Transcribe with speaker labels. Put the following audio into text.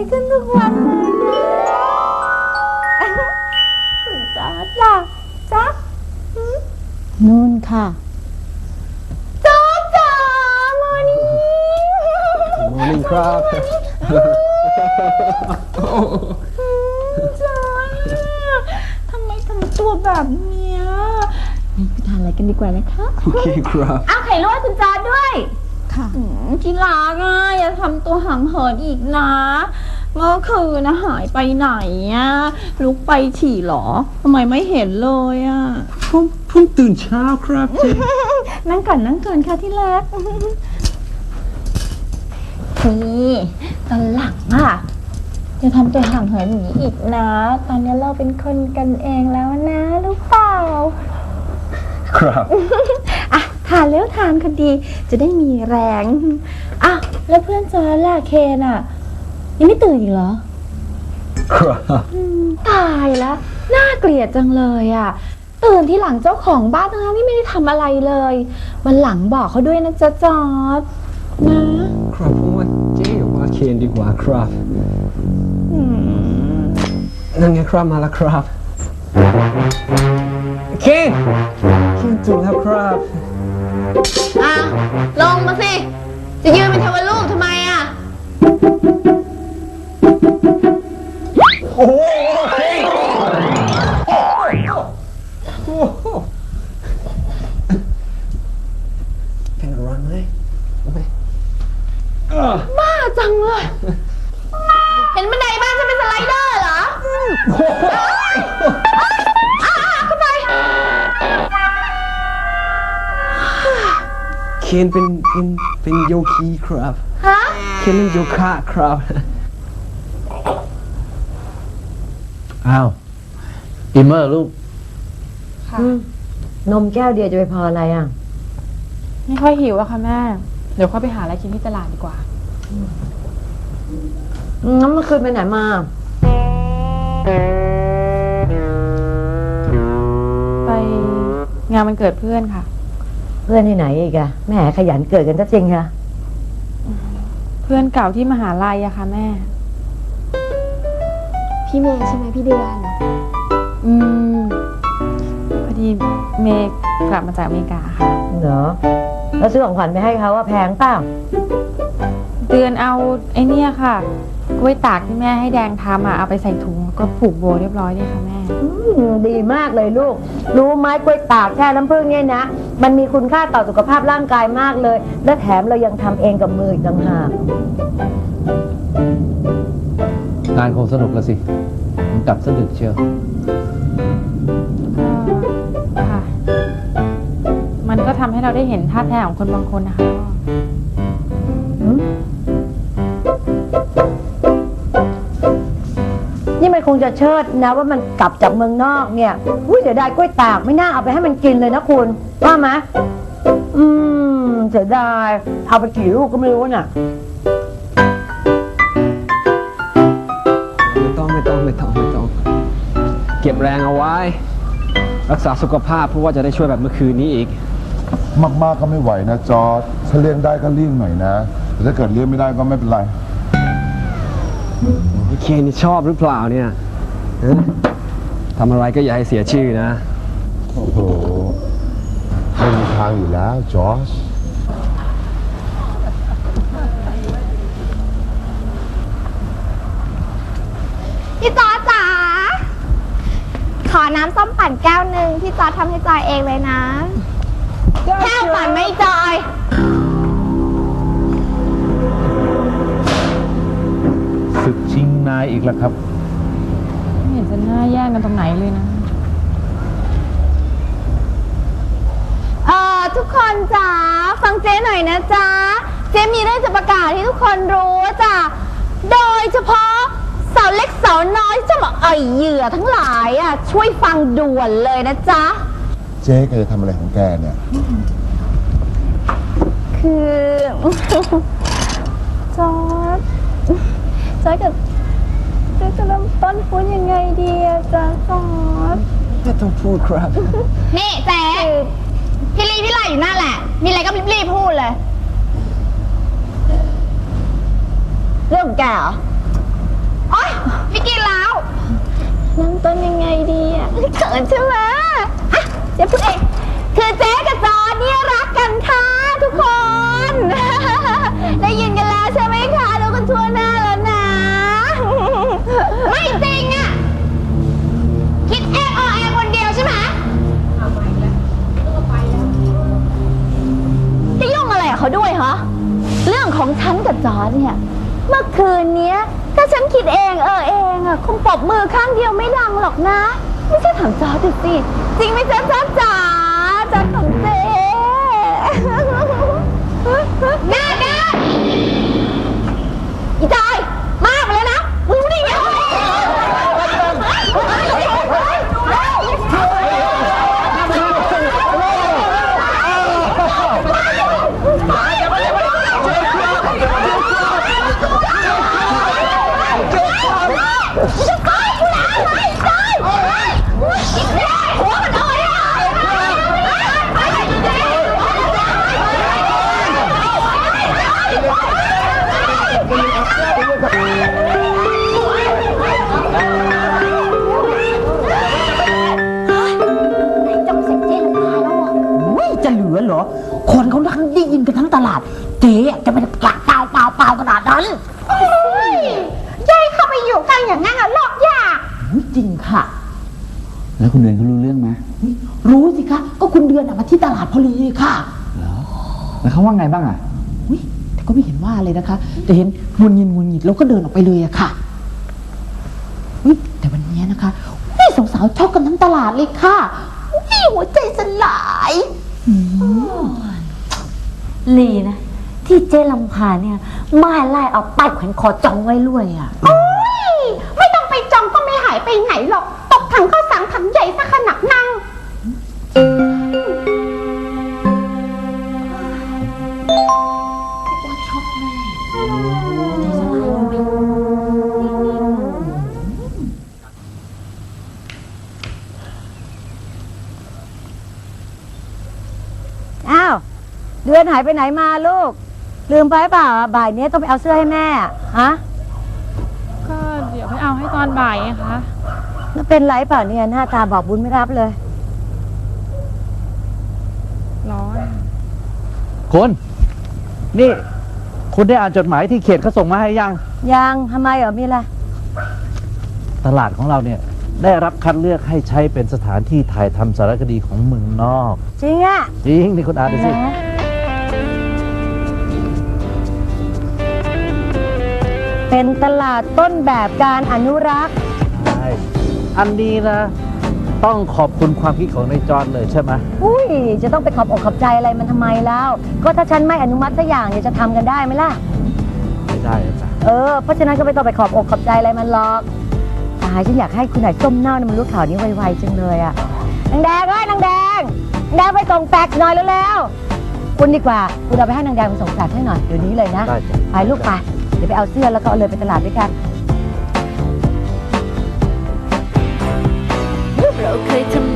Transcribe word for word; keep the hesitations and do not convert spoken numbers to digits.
Speaker 1: ขึ้นทุกวันเลยนะคุณจอร์จล่ะจ๊ะนู่นค่ะจอร์จจ๋ามานี่
Speaker 2: มอร์นิ่งครับ
Speaker 1: จอร์จทำไมทำตัวแบบเนี้ยไปทานอะไรกันดีกว่านะคะ
Speaker 2: โอเคครับ
Speaker 1: อ้าวไข่ลวกคุณจอร์จด้วยค่ะที่รักอ่ะอย่าทำตัวห่างเหินอีกนะเมื่อคืนนะหายไปไหนอ่ะลุกไปฉี่หรอทำไมไม่เห็นเลยอ่ะ
Speaker 2: ผมผมตื่นเช้าครับเจ๊
Speaker 1: นั่งก่อนนั่งก่อนค่ะที่รักนี่ตอนหลังอ่ะอย่าทำตัวห่างเหินอย่างนี้อีกนะตอนนี้เราเป็นคนกันเองแล้วนะรู้เปล่า
Speaker 2: ครับ
Speaker 1: อ่ะทานแล้วทานคดีจะได้มีแรงอ่ะแล้วเพื่อนจอร์จล่ะเคนอ่ะยังไม่ตื่นอีกเหรอ
Speaker 2: ครับ
Speaker 1: ตายแล้วน่าเกลียดจังเลยอ่ะตื่นที่หลังเจ้าของบ้านทั้งที่ไม่ได้ทำอะไรเลยวันหลังบอกเขาด้วยนะจ๊ะจอร์จ
Speaker 2: นะครับผมว่าเจ๊ว่าเคนดีกว่าครับนั่นไงครับมาแล้วครับเคนเคนตื่นแล้วครับ
Speaker 1: อ่ะลงมาสิจะยืนเป็นเทวรูปทำไมอ่ะ
Speaker 2: โอ้โหเป็นอะไรไหม
Speaker 1: บ้าจังเลยเห็นบันไดบ้านจะเป็นสไลเดอร์เหรอเข้าไป
Speaker 2: เคนเป็นเป็นเป็นโยคีครับ
Speaker 1: ฮะ
Speaker 2: เคนเล่นโยคะครับ
Speaker 3: อ้าวอิมเมอร์ลูก
Speaker 4: นมแก้วเดียวจะไปพออะไรอ่ะ
Speaker 5: ไม่ค่อยหิวอะค่ะแม่เดี๋ยวค่อยไปหาอะไรกินที่ตลาดดีกว่า
Speaker 4: งั้นเมื่อคืนไปไหนมา
Speaker 5: ไปงานวันเกิดเพื่อนค่ะ
Speaker 4: เพื่อนที่ไหนอีกอะแม่ขยันเกิดกันซะจริงค่ะ
Speaker 5: เพื่อนเก่าที่มหาลัยอะค่ะแม่
Speaker 1: พี่เมย์ใช่ไหมพี่เดือน
Speaker 5: อืมพอดีเมย์กลับมาจากอเมริกาค่ะ
Speaker 4: เหรอแล้วซื้อของขวัญไปให้เขาว่าแพงเปล่า
Speaker 5: เดือนเอาไอ้นี่ค่ะกล้วยตากที่แม่ให้แดงทำอะเอาไปใส่ถุงก็ผูกโบเรียบร้อยเลยค่ะแม่
Speaker 4: ดีมากเลยลูกรู้ไหมกล้วยตากแช่น้ำผึ้งเนี่ยนะมันมีคุณค่าต่อสุขภาพร่างกายมากเลยและแถมเรายังทำเองกับมืออีกต่างหาก
Speaker 3: งานคงสนุกละสิผมกลับสะดึกเชียว
Speaker 5: ค่ะมันก็ทำให้เราได้เห็นท่าแท้ของคนบางคนนะคะ
Speaker 4: นี่มันคงจะเชิดนะว่ามันกลับจากเมืองนอกเนี่ยอุ้ยเสียดายกล้วยตากไม่น่าเอาไปให้มันกินเลยนะคุณว่าไหมอืมเสียดายเอาไปกี่ลูกก็ไม่รู้น่ะ
Speaker 2: ไม่ต้องไม่ต้องไม่ต้องไม่ต้องเก็บแรงเอาไว้รักษาสุขภาพเพราะว่าจะได้ช่วยแบบเมื่อคืนนี้อีก
Speaker 6: มากๆก็ไม่ไหวนะจอร์จถ้าเลี่ยงได้ก็เลี่ยงหน่อยนะแต่ถ้าเกิดเลี่ยงไม่ได้ก็ไม่เป็นไร
Speaker 2: เคนนี่ชอบหรือเปล่าเนี่ยทำอะไรก็อย่าให้เสียชื่อนะ
Speaker 6: โอ้โหไม่มีทางอยู่แล้วจอร์จ
Speaker 1: พี่จอร์จจ๋าขอน้ำส้มปั่นแก้วหนึ่งพี่จอร์จทำให้จอยเองเลยนะแก้วปั่นไม่จอย
Speaker 3: ศึกชิงนายอีกแล้วครับ
Speaker 5: ไม่เห็นจะน่าแย่งกันตรงไหนเลยนะ
Speaker 1: เอ่อทุกคนจ๋าฟังเจ๊หน่อยนะจ๊ะเจ๊มีเรื่องจะประกาศให้ทุกคนรู้จ้ะโดยเฉพาะสาวเล็กสาวน้อยที่จะมาอ่อยเหยื่อทั้งหลายอ่ะช่วยฟังด่วนเลยนะจ๊ะ
Speaker 6: เจ๊แกจะทำอะไรของแกเนี่ย
Speaker 1: คือจอร์จจอร์จกับเจ๊จะเริ่มต้นพูดยังไงดีอะจ๊ะจอร์จ
Speaker 2: ไม่ต้องพูดครับ
Speaker 1: นี่เจ๊พี่ลีพี่ไล่อยู่นั่นแหละมีอะไรก็รีบพูดเลยเรื่องของแกเหรอโอ๊ยไม่กินแล้วเริ่มต้นยังไงดีอ่ะเขินใช่ไหมอ่ะเจ๊พูดเองคือเจ๊กับจอร์จเนี่ยรักกันค่ะทุกคน ได้ยินกันแล้วใช่ไหมคะรู้กันทั่วหน้าแล้วนะ ไม่จริงอ่ะคิดเองออเองคนเดียวใช่ไหมจะยุ่งอะไรกับเขาด้วยเหรอเรื่องของฉันกับจอร์จเนี่ยเมื่อคืนเนี้ยถ้าฉันคิดเองเออเองอ่ะคงปรบมือข้างเดียวไม่ดังหรอกนะไม่ใช่ถามจอร์จดูสิจริงไหมจ๊ะจ๊ะจ๋าจอร์จของเจ๊หน้าด้านอีจอยมากไปเลยนะรู้ได้ไง
Speaker 4: จะเหลือเหรอ คนเขาทั้งได้ยินกันทั้งตลาด เจ๊จะไม่ได้ปากเปล่าเปล่าเปล่าขนาดนั้นยายเข้าไปอยู่กันอย่างนั้นอะหลอกยากจริงค่ะ
Speaker 3: แล้วคุณเดือนเขารู้เรื่องไหม
Speaker 4: รู้สิคะ ก็คุณเดือนอะมาที่ตลาดพอดีค่ะ
Speaker 3: แล้วเขาว่าไงบ้างอ่ะ
Speaker 4: อุ๊ยแต่ก็ไม่เห็นว่าเลยนะคะ แต่เห็นงุนงินงุนงิดแล้วก็เดินออกไปเลยอะค่ะอุ๊ยแต่วันนี้นะคะอุ๊ยสาวๆชอบกันทั้งตลาดเลยค่ะอุ๊ยหัวใจสลาย
Speaker 7: ลีนะ ที่เจ๊ลำพาเนี่ยไม่ไล่เอาป้ายแขวนคอจองไว้รวยอ่ะ
Speaker 1: โอ๊ยไม่ต้องไปจองก็ไม่หายไปไหนหรอกตกถังข้าวสารถังใหญ่สักขนาดนั่ง
Speaker 4: อ้าวเดือนหายไปไหนมาลูก ลืมไปเปล่าบ่ายนี้ต้องไปเอาเสื้อให้แม่ฮะ
Speaker 5: ก็เดี๋ยวไปเอาให้ตอนบ่ายไงคะ
Speaker 4: แล้วเป็นไรเปล่าเนี่ยหน้าตาบอกบุญไม่รับเลย
Speaker 5: ร้อน
Speaker 3: คุณ นี่ คุณได้อ่านจดหมายที่เขตเขาส่งมาให้ยัง
Speaker 4: ยังทำไมเหรอมีอะไร
Speaker 3: ตลาดของเราเนี่ย ได้รับคัดเลือกให้ใช้เป็นสถานที่ถ่ายทำสารคดีของเมืองนอก
Speaker 4: จริงอะ
Speaker 3: จริงนี่คุณอ่านดูสิ
Speaker 4: นะเป็นตลาดต้นแบบการอนุรักษ์
Speaker 3: ใช่อันนี้นะ ต้องขอบคุณความคิดของนายจอนเลยใช่ไหม
Speaker 4: อุ้ยจะต้องไปขอบอกขอบใจอะไรมันทำไมแล้ว ก็ถ้าฉันไม่อนุมัติสักอย่างเนี่ยจะทำกันได้ไหมล่ะ
Speaker 3: ไม่ได้อะจ้ะ
Speaker 4: เออ เพราะฉะนั้นก็ไม่ต้องไปขอบอกขอบใจอะไรมันหรอกตายฉันอยากให้คุณนายส้มเน่าเนี่ยมันรู้ข่าวนี้ไวๆจังเลยอะนางแดงเอ้ยนางแดงนางแดงไปส่งแฟกซ์หน่อยเร็วๆคุณดีกว่าคุณเอาไปให้นางแดงไปส่งแฟกซ์ให้หน่อยเดี๋ยวนี้เลยนะ
Speaker 3: ได้จ้ะ
Speaker 4: ไปลูกไปเดี๋ยวไปเอาเสื้อแล้วก็เอาเลยไปตลาดด้วยกัน
Speaker 7: เราเคยทำ